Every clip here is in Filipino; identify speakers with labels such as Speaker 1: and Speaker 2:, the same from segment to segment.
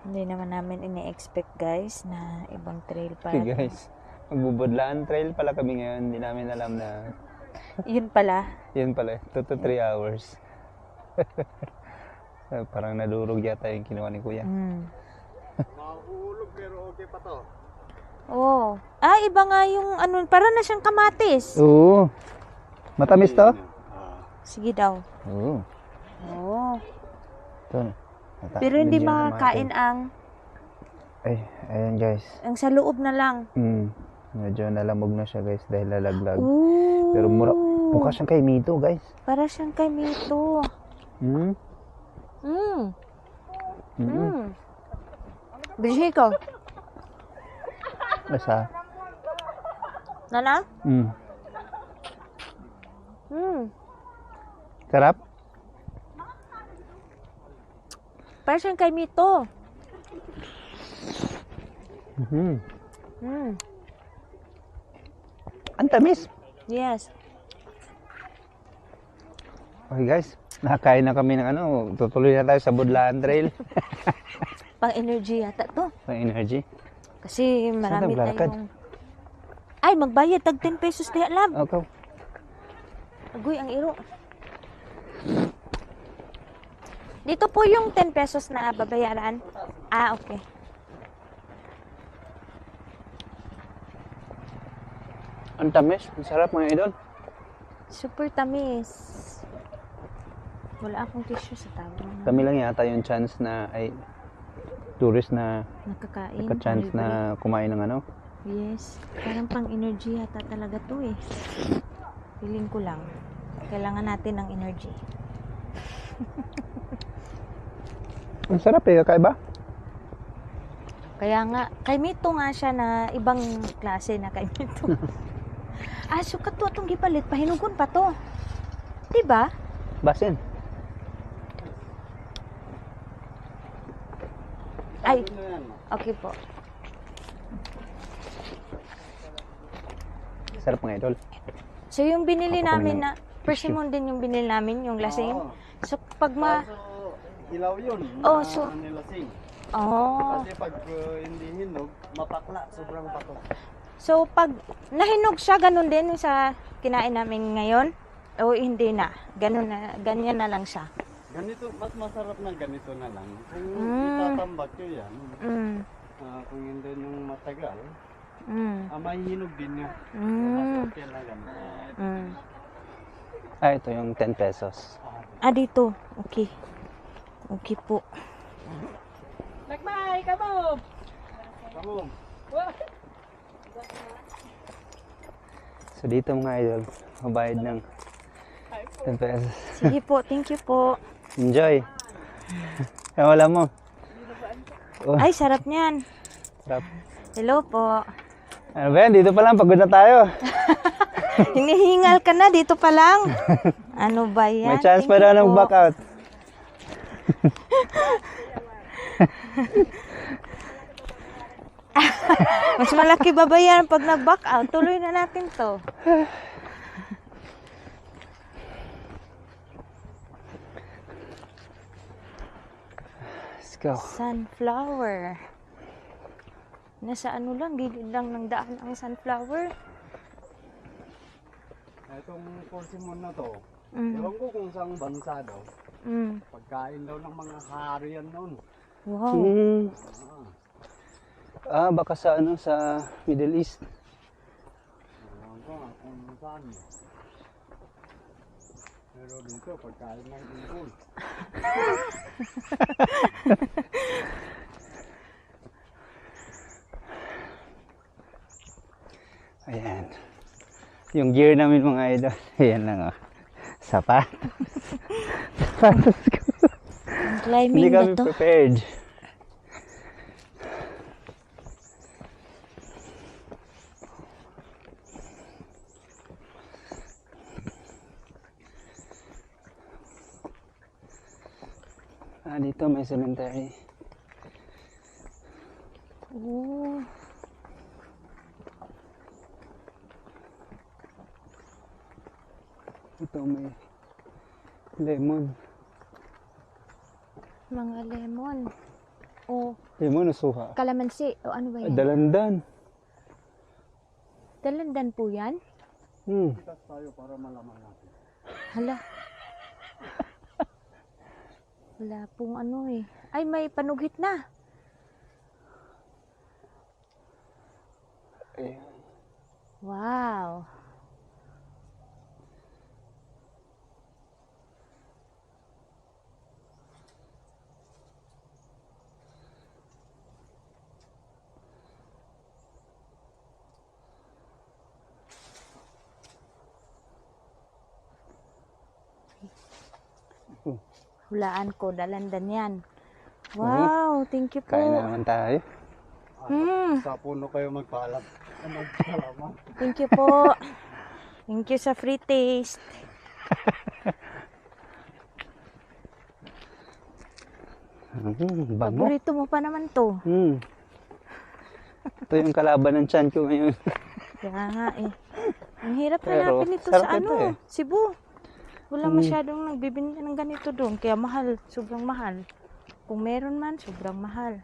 Speaker 1: Hindi naman namin ini-expect guys na ibang trail
Speaker 2: Okay
Speaker 1: pala.
Speaker 2: guys, magbubudlaan trail pala kami ngayon. Hindi namin alam na
Speaker 1: Yun pala.
Speaker 2: yun pala, 2 to 3 hours. Parang nadurog yata yung kinuha ni Kuya.
Speaker 3: Mahulog pero okay pa to.
Speaker 1: Oh. Ah, iba nga yung ano, para na siyang kamatis.
Speaker 2: Oo. Matamis to?
Speaker 1: Sige daw.
Speaker 2: Oo.
Speaker 1: Oh.
Speaker 2: Ito.
Speaker 1: Pero hindi makakain ang
Speaker 2: Ay, ayan guys.
Speaker 1: ang sa loob na lang.
Speaker 2: Medyo nalamog na siya guys dahil lalaglag.
Speaker 1: Ooh.
Speaker 2: Pero mukha siyang kay Mito guys.
Speaker 1: Para siyang kay Mito. Bigay ko.
Speaker 2: Basta.
Speaker 1: Nana?
Speaker 2: Sarap?
Speaker 1: Para siyang kay Mito.
Speaker 2: Ang tamis.
Speaker 1: Yes.
Speaker 2: Okay guys, nakakain na kami ng ano. Tutuloy na tayo sa Budlaan Trail.
Speaker 1: Pang energy yata to.
Speaker 2: May energy.
Speaker 1: Kasi marami
Speaker 2: Saan naglalakad?
Speaker 1: tayong... Ay, magbayad. Tag 10 pesos diya lang.
Speaker 2: Okay.
Speaker 1: Agoy, ang iro. Dito po yung 10 pesos na babayaran. Ah, okay.
Speaker 2: Ang tamis. Ang sarap mga idol.
Speaker 1: Super tamis. Wala akong tissue sa tabo.
Speaker 2: Kami lang yata yung chance na ay tourist na
Speaker 1: Nakakain.
Speaker 2: nagka-chance na kumain ng ano.
Speaker 1: Yes. Parang pang energy yata talaga to eh. Feeling ko lang. Kailangan natin ng energy.
Speaker 2: Ang sarap eh, kakaiba.
Speaker 1: Kaya nga, kay Mito nga siya na ibang klase na kay Mito. Ah, sukat to atong gipalit. Pahinugon pa to. Diba?
Speaker 2: Basin.
Speaker 1: Ay, okay po.
Speaker 2: Sarap mga idol.
Speaker 1: So yung binili
Speaker 2: Ako
Speaker 1: namin
Speaker 2: kami
Speaker 1: na, persimmon din yung binili namin, yung lasing. So pag
Speaker 3: Ilaw yun.
Speaker 1: Oh, so-
Speaker 3: nilasing.
Speaker 1: Oh.
Speaker 3: Kasi pag hindi hinog, mapakla. Sobrang pato.
Speaker 1: So pag nahinog siya, ganun din yung sa kinain namin ngayon. O hindi na. Ganun na, ganyan na lang siya.
Speaker 3: Ganito, mas masarap na ganito na lang. Kung
Speaker 1: Mm.
Speaker 3: itatambak nyo yan, kung hindi nung matagal, may hinog din nyo. Mas okay na ganito.
Speaker 2: Ah, ito yung 10 pesos.
Speaker 1: Ah, dito. Okay. Okay po.
Speaker 4: Nagmay, kamu!
Speaker 3: Kamu,
Speaker 2: So dito mga idol, mabayad ng 10 pesos.
Speaker 1: Sige po. Thank you po.
Speaker 2: Enjoy! Kaya wala mo. Oh,
Speaker 1: Ay, sarap niyan.
Speaker 2: sarap.
Speaker 1: Hello po.
Speaker 2: Ano ba yan? Dito pa lang, pagod na tayo.
Speaker 1: Hinihingal ka na dito pa lang. Ano ba yan?
Speaker 2: May chance
Speaker 1: Thank
Speaker 2: pa
Speaker 1: you
Speaker 2: daw ng
Speaker 1: po.
Speaker 2: back out.
Speaker 1: Mas malaki babayaran pag nag-back out. Tuloy na natin to.
Speaker 2: Let's go.
Speaker 1: Sunflower. Nasa ano lang, gilid lang ng daan ang sunflower.
Speaker 3: itong persimmon na to, ewan ko kung saan bansa daw. Pagkain daw ng mga hari yan noon.
Speaker 1: Wow.
Speaker 2: Ah, baka sa ano, sa Middle East.
Speaker 3: Ewan ko nga kung saan. Pero dito, pagkain ng ibon.
Speaker 2: Ayan. Yung gear namin mga idol. Ayan lang oh. Sapatos. Sapatos ko.
Speaker 1: Climbing
Speaker 2: Hindi
Speaker 1: ba
Speaker 2: kami
Speaker 1: to?
Speaker 2: prepared. Ah, dito may cemetery.
Speaker 1: Oh.
Speaker 2: Ito may lemon.
Speaker 1: Mga lemon. O
Speaker 2: Yung mo nasuha.
Speaker 1: kalamansi? O ano ba yan?
Speaker 2: Dalandan.
Speaker 1: Dalandan po yan?
Speaker 3: Itas tayo para malaman natin.
Speaker 1: Hala. Wala pong ano eh. Ay, may panugit na.
Speaker 2: Ayan.
Speaker 1: Wow. Hulaan ko, dalandan yan. Wow, thank you po.
Speaker 2: Kain na naman tayo.
Speaker 3: Sa puno kayo magpaalam. Magpaalam.
Speaker 1: Thank you po. Thank you sa free taste.
Speaker 2: Bango.
Speaker 1: Paborito mo pa naman to.
Speaker 2: Ito yung kalaban ng tiyan ko ngayon.
Speaker 1: Kaya nga eh. Ang hirap
Speaker 2: Pero,
Speaker 1: hanapin ito
Speaker 2: sarap
Speaker 1: sa
Speaker 2: ito
Speaker 1: ano,
Speaker 2: eh.
Speaker 1: Cebu. Wala masyadong nagbibinta ng ganito doon. Kaya mahal, sobrang mahal. Kung meron man, sobrang mahal.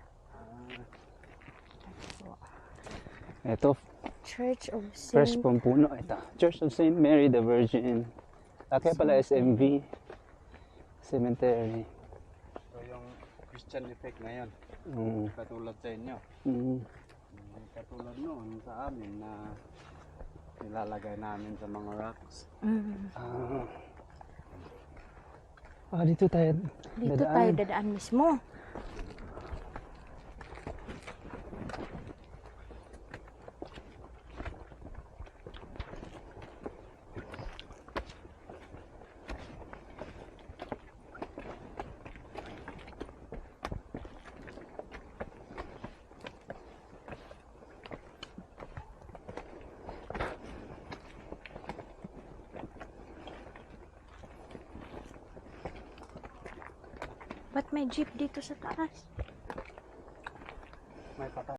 Speaker 2: Ito,
Speaker 1: Church of
Speaker 2: fresh
Speaker 1: Saint.
Speaker 2: pampuno. Ito, Church of Saint Mary the Virgin. Kaya pala SMV. Cemetery.
Speaker 3: So yung Christian effect ngayon.
Speaker 2: Mm.
Speaker 3: Katulad sa inyo.
Speaker 2: Mm.
Speaker 3: Katulad noon sa amin na nilalagay namin sa mga rocks.
Speaker 2: Dito tayo.
Speaker 1: Dito tayo dadaan mismo. Ba't may jeep dito sa taas?
Speaker 3: May patay.